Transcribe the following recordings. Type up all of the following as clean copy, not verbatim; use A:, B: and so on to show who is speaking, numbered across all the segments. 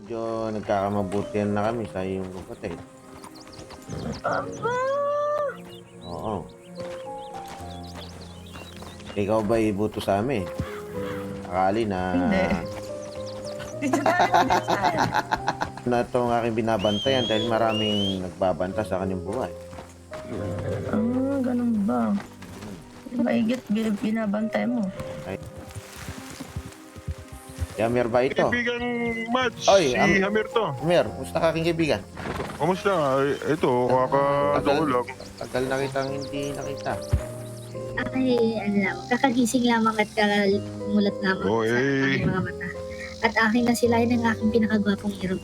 A: Medyo nagkakamabutihan na kami sa iyong kapatid.
B: Aba!
A: Oo. Ikaw ba ibuto sa amin? Akali na...
B: Hindi. Dito tayo, dito tayo.
A: na itong aking binabantayan dahil maraming nagbabanta sa kanyang buhay.
B: Ah, ganun ba? Maigit binabantay mo.
A: Hammer ba ito?
C: Kaibigan Mads,
A: Oy,
C: si Hamir to.
A: Hammer, kumusta ka aking kaibigan?
C: Kumusta? Ito, kakatawa lang.
A: Tagal na kitang hindi nakita.
D: Ay, alam, kakagising lamang at kakamulat lamang
C: Oh,
D: sa
C: eh.
D: aking mga mata. At aking nasilayan ng aking pinakagwapong irog.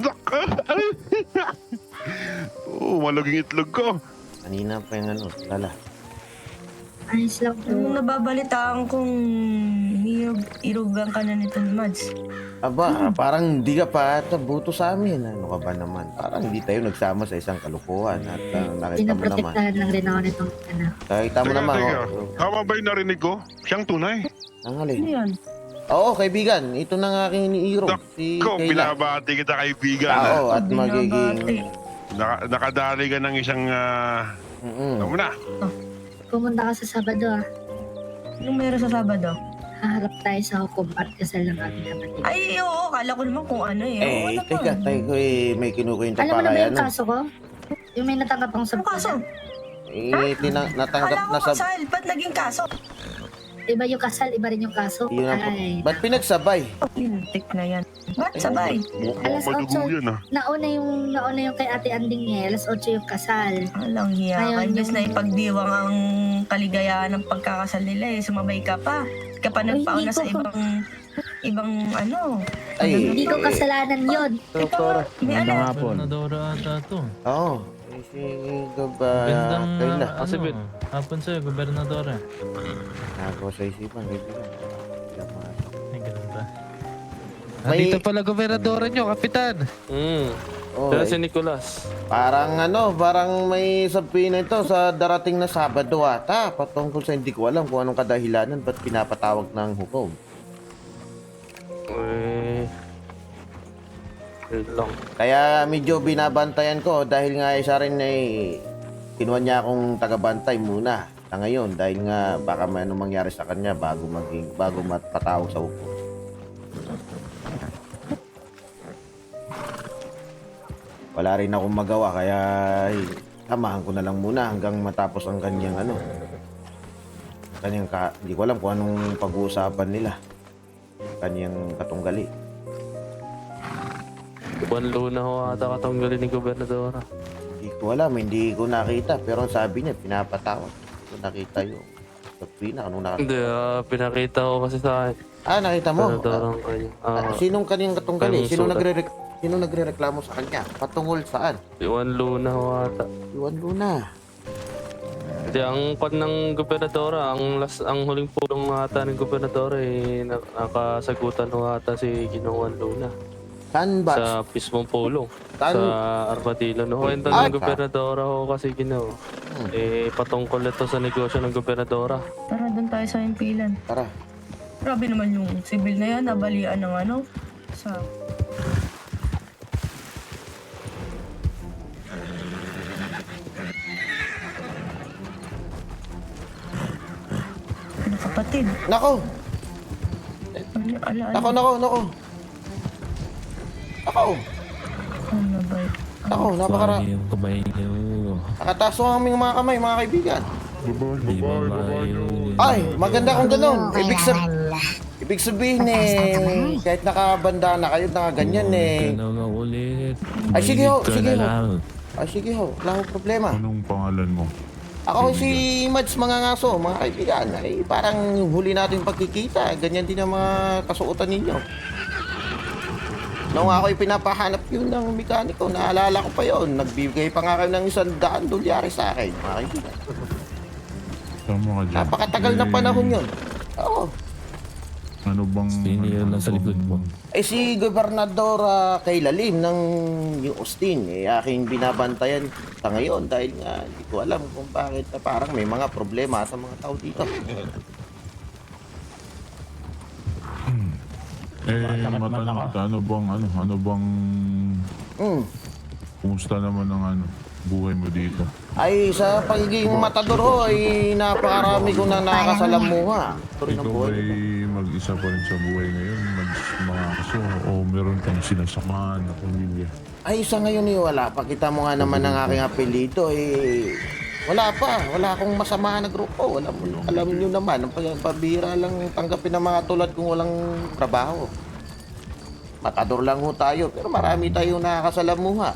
C: Oo, malaging itlog ko.
A: Kanina pa yung ano, lala.
D: Ayos lang
B: Yung
D: po.
B: nababalitaan kong irugan ka na nito ni Mads.
A: Aba, parang hindi ka pa ata buto sa amin. Ano ka ba naman? Parang hindi tayo nagsama sa isang kalukuhan at nakita mo naman.
D: Pinaprotektahan lang rin ako nitong anak.
A: Nakita mo
C: Teka,
A: naman,
C: teka.
A: oh.
C: Tama ba yung narinig ko? Siyang tunay.
A: Ang
B: Ano
A: alin.
B: yan?
A: Oo, kaibigan. Ito na nga aking iniiro. Si
C: Ko,
A: Kayla.
C: binabati kita kaibigan.
A: Oo, at
B: Binabati.
A: magiging...
C: Nakadali ka ng isang... Tama na.
D: Pumunta ka sa Sabado ah.
B: Anong meron sa Sabado?
D: Haharap tayo sa hukom at kasal ng aking kapatid.
B: Ay, oo. Kala ko naman kung ano eh. Oo,
A: Eh,
B: ano
A: teka,
B: ba?
A: tayo ko may kinukwento
D: Alam mo
A: pa
D: na ba
A: kaya
D: yung
A: ano.
D: kaso ko? Yung may natanggap akong
B: Ano kaso?
A: Natanggap
B: Kala ko
A: na sa...
B: kasal. Ba't naging kaso?
D: Iba yung kasal, iba rin yung kaso.
A: Yun ang...
D: Ay,
A: Ba't pinagsabay?
B: Lintik na yan. Ba't sabay?
C: Mukhang
D: Alas
C: madugo
D: 8.
C: yan
D: nauna yung kay Ate Anding eh. Alas 8 yung kasal.
B: Alang hiya ka.
D: Ayun,
B: Imbes
D: yung-
B: na ipagdiwang ang kaligayahan ng pagkakasal nila eh. Sumabay ka pa. Ka pa nagpauna
D: hindi
B: sa
D: ko-
B: ibang ano.
A: Ay,
D: Hindi ko kasalanan yon.
A: Doktora.
B: May ano?
E: Gobernadora ata to.
A: Oo. Eh, si Gaba...
E: Gandang
A: Kayla.
E: ano, hapon sa'yo, gobernadora.
A: Nako sa isipan, kaibigan.
E: Ay, ganun ba?
A: May-
F: Dito pala gobernadora nyo, kapitan.
A: Oh,
G: Pero si Nicolas.
A: parang may sabihin na ito sa darating na Sabado ata. Patungkol sa hindi ko alam kung anong kadahilanan ba't pinapatawag ng hukom.
G: Yun lang.
A: Kaya medyo binabantayan ko dahil nga isa rin ay kinuha niya akong tagabantay muna sa ngayon dahil nga baka may anong mangyari sa kanya bago matpatawag sa hukom. Wala rin akong magawa kaya samahan ko na lang muna hanggang matapos ang kanyang hindi ko alam kung anong pag-uusapan nila. Kanyang katunggali.
G: Buwan luna ho ata katanggalin ni Gobernadora.
A: Hindi ko alam, hindi ko nakita. Pero ang sabi niya, pinapatawag. Hindi ko nakita yung Pina, anong nakita?
G: Hindi, pinakita ko kasi sa akin.
A: Nakita mo?
G: Gobernadorang kanya.
A: Sinong kanyang katunggali?
G: Anong
A: Sino
G: sulat?
A: sino nagrereklamo sa kanya? Patungol saan?
G: Buwan luna ho ata.
A: Iwan Luna.
G: Hindi, ang kwan ng Gobernadora, ang huling pulong ata ng Gobernadora nakasagutan ho ata si Ginoong Luna.
A: Saan ba?
G: Sa mismong pulong.
A: Saan?
G: Sa Armadillo. No, kwento
A: Ah,
G: ng Gobernadora ho kasi Ginoo. Patungkol ito sa negosyo ng Gobernadora.
B: Tara, doon tayo sa impilan.
A: Tara.
B: Grabe naman yung sibil na yan. Nabalian ng ano. Sa... Ano kapatid?
A: Nako!
B: Ala,
A: Nako! Nako!
B: Ano ba yun?
A: Nako! Napakara.
E: Yung kamay niyo.
A: Nakataas ang aming mga kamay, mga kaibigan.
C: Babae.
A: Ay, maganda kung ganun. Ibig sabihin kahit nakabanda na kayo, nakaganyan
E: Ganun nga ulit.
A: Ay, sige ho,
E: Balik ka
A: sige
E: na
A: ho.
E: lang.
A: Ay, sige ho. Wala akong problema.
C: Anong pangalan mo?
A: Ako si Mads mga ngaso, mga kaibigan. Ay, parang huli natin pagkikita. Ganyan din ang mga kasuotan ninyo. Nung ako'y pinapahanap yun ng mekaniko, naalala ko pa yun. Nagbibigay pa nga kayo ng $100 sa akin, mga kaibigan.
C: Tama ka dyan.
A: Napakatagal na panahon yun. Oo.
C: Ano bang...
E: Sino yun nasa likod mo?
A: Eh si Gobernador Kayla Lim ng New Austin, aking binabantayan sa ngayon dahil nga hindi ko alam kung bakit parang may mga problema sa mga tao dito.
H: matanong kita, ano bang,
A: Hmm.
H: kumusta naman ang buhay mo dito?
A: Ay, sa pagiging matador ho, ay napakarami ko na nakakasalamuha. Ito rin ang
H: Ikaw
A: buhay.
H: ba'y mag-isa pa rin sa buhay ngayon? Mga aso o meron kang sinasamahan na pamilya?
A: Ay, sa ngayon eh, wala pa. Kita mo nga naman ang aking apelyido eh. Wala pa. Wala akong masamahan na grupo. Alam nyo naman, ang pabira lang tanggapin ng mga tulad kung walang trabaho. Matador lang ho tayo, pero marami tayong nakakasalamuha.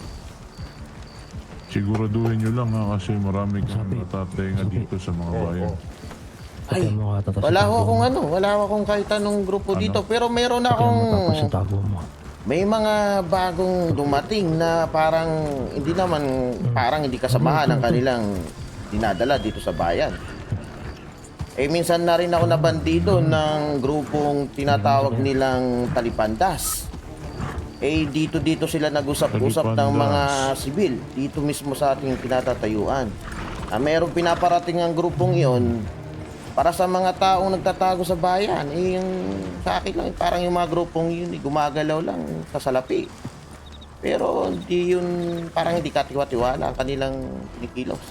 H: Siguraduhin nyo lang ha, kasi marami kang natatenga dito sa mga bayan.
A: Ay, wala ho akong kahit anong grupo dito, pero meron akong may mga bagong dumating na parang hindi kasamahan ng kanilang dinadala dito sa bayan. Eh minsan na rin ako nabandido ng grupong tinatawag nilang Talipandas. Eh dito sila nag-usap-usap ng mga sibil dito mismo sa ating pinatatayuan. Merong pinaparating ang grupong iyon para sa mga taong nagtatago sa bayan. Eh yung sa akin lang parang yung mga grupong yun gumagalaw lang sa salapi. Pero parang hindi katiwa-tiwala ang kanilang kinikilos.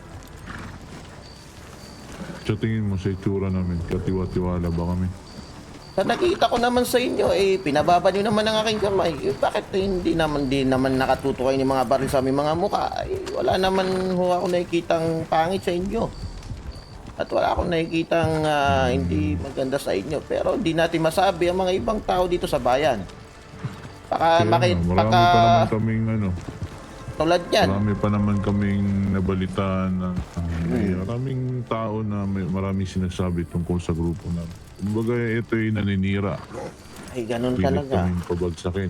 H: Sa tingin mo sa itsura namin, katiwa-tiwala ba kami?
A: Sa nakita ko naman sa inyo, pinababa niyo naman ang aking kamay. Bakit hindi naman nakatutukay ng mga baril sa aming mga mukha? Wala naman ho ako nakikitang pangit sa inyo. At wala akong nakikitang hindi maganda sa inyo. Pero hindi natin masabi ang mga ibang tao dito sa bayan.
H: Marami pa naman kaming
A: tulad yan.
H: Marami pa naman kaming nabalitaan na maraming tao na maraming sinasabi tungkol sa grupo namin. Kumbaga ito'y naninira.
A: Ay, ganun
H: Pilit
A: talaga.
H: kaming pabagsakin.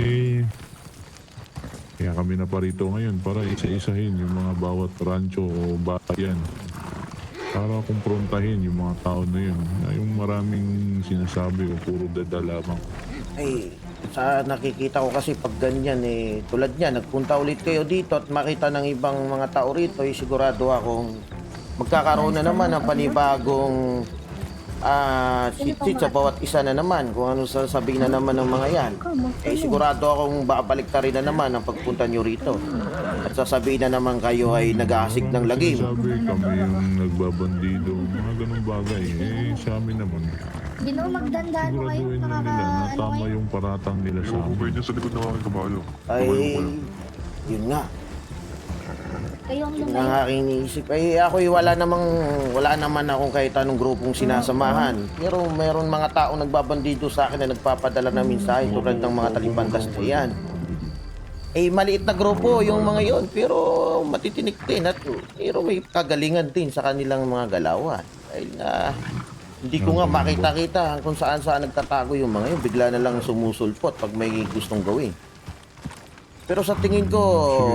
H: Kaya kami na parito ngayon para isa-isahin yung mga bawat rancho o bayan. Para kumprontahin yung mga tao na yun. Yung maraming sinasabi o puro dada lamang.
A: Ay, sa nakikita ko kasi pag ganyan tulad niya, nagpunta ulit kayo dito at makita ng ibang mga tao rito, sigurado akong magkakaroon na naman ng panibagong sit sa bawat isa na naman kung ano sasabihin na naman ng mga yan. Sigurado akong babalik ta rin na naman ang pagpunta nyo rito at sasabihin na naman kayo ay nag-aasig ng lagim.
H: Sabi kami yung nagbabandido, mga ganung bagay. Sa amin naman.
D: Ginoo, magdandaan mo kayo.
H: Siguraduhin na nila na tama yung paratang nila sa
C: Yung
H: amin.
C: niya sa likod ng aking kabalo.
A: Ay, yun nga.
D: Kayo ang
A: Yun
D: lumayo.
A: ang aking iniisip. Ako'y wala naman akong kahit anong grupong sinasamahan. Pero meron mga tao nagbabandido sa akin na nagpapadala ng mensahe tulad ng mga Talipandas na yan. Maliit na grupo yung mga yon, pero matitinik din at pero may kagalingan din sa kanilang mga galawan. Dahil hindi ko nga makita-kita kung saan nagtatago yung mga yun. Bigla na lang sumusulpot pag may gustong gawin. Pero sa tingin ko,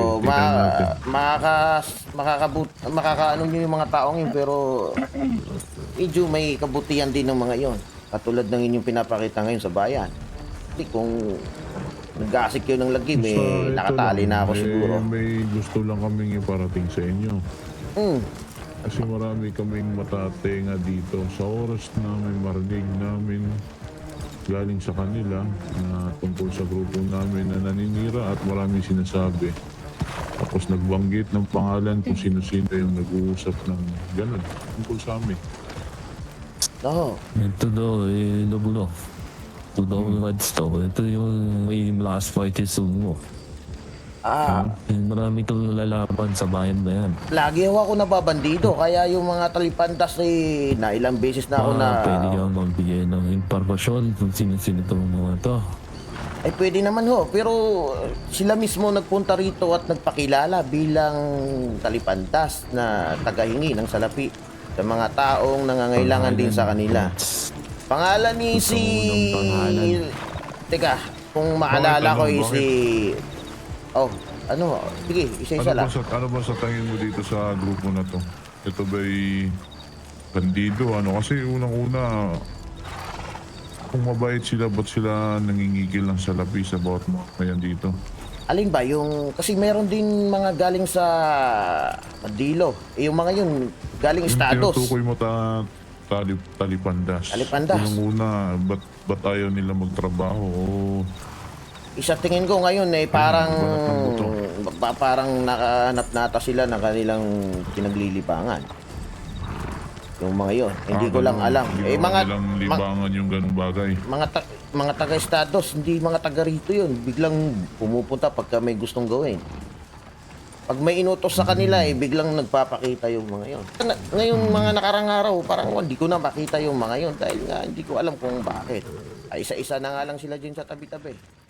A: makakaano nyo yung mga taong yun, pero medyo may kabutihan din ng mga yon. Katulad ng inyong pinapakita ngayon sa bayan. Hindi kung nag-aasik kayo ng lagim, nakatali na ako siguro.
H: May gusto lang kaming iparating sa inyo. Kasi marami kaming matatenga dito. Sa oras na may marinig namin galing sa kanila na tungkol sa grupo namin na naninira at maraming sinasabi. Tapos nagbanggit ng pangalan kung sino-sino yung nag-uusap ng gano'n tungkol sa amin.
A: Oo.
E: Ito daw, Lobulo. Ito daw yung Redstone. Ito yung may last fight is mo. Marami kang lalaban sa bayan na yan.
A: Lagi ako nababandido, kaya yung mga Talipandas na ilang beses na ako na...
E: Pwede kang magbigay ng impormasyon kung sino-sino itong mga to.
A: Ay pwede naman ho, pero sila mismo nagpunta rito at nagpakilala bilang Talipandas na tagahingi ng salapi sa mga taong nangangailangan din sa kanila. Pangalan ni si... Teka, kung maalala ko si... sige, isa-isa lang.
H: Ano ba sa tingin mo dito sa grupo na to? Ito ba'y bandido? Kasi unang-una, kung mabait sila, ba't sila nangingigil ng salapi sa bawat mga kayan dito?
A: Alin ba? Kasi meron din mga galing sa Mandilo. Yung mga yun, galing Estados.
H: Tinutukoy mo talipandas.
A: Talipandas.
H: Unang-una, ba't ayaw nila magtrabaho?
A: Isa tingin ko ngayon parang
H: Balat ng buto.
A: parang nakahanap nata sila ng kanilang pinaglilibangan. Yung mga yon, hindi ko lang alam. Mga
H: nilang libangan yung ganung bagay.
A: mga taga-estados, hindi mga taga rito yun. Biglang pumupunta pagka may gustong gawin. Pag may inutos sa kanila, biglang nagpapakita yung mga yon. Ngayong mga nakarang araw, parang hindi ko na makita yung mga yon dahil nga hindi ko alam kung bakit. Ay, isa-isa na nga lang sila dyan sa tabi-tabi.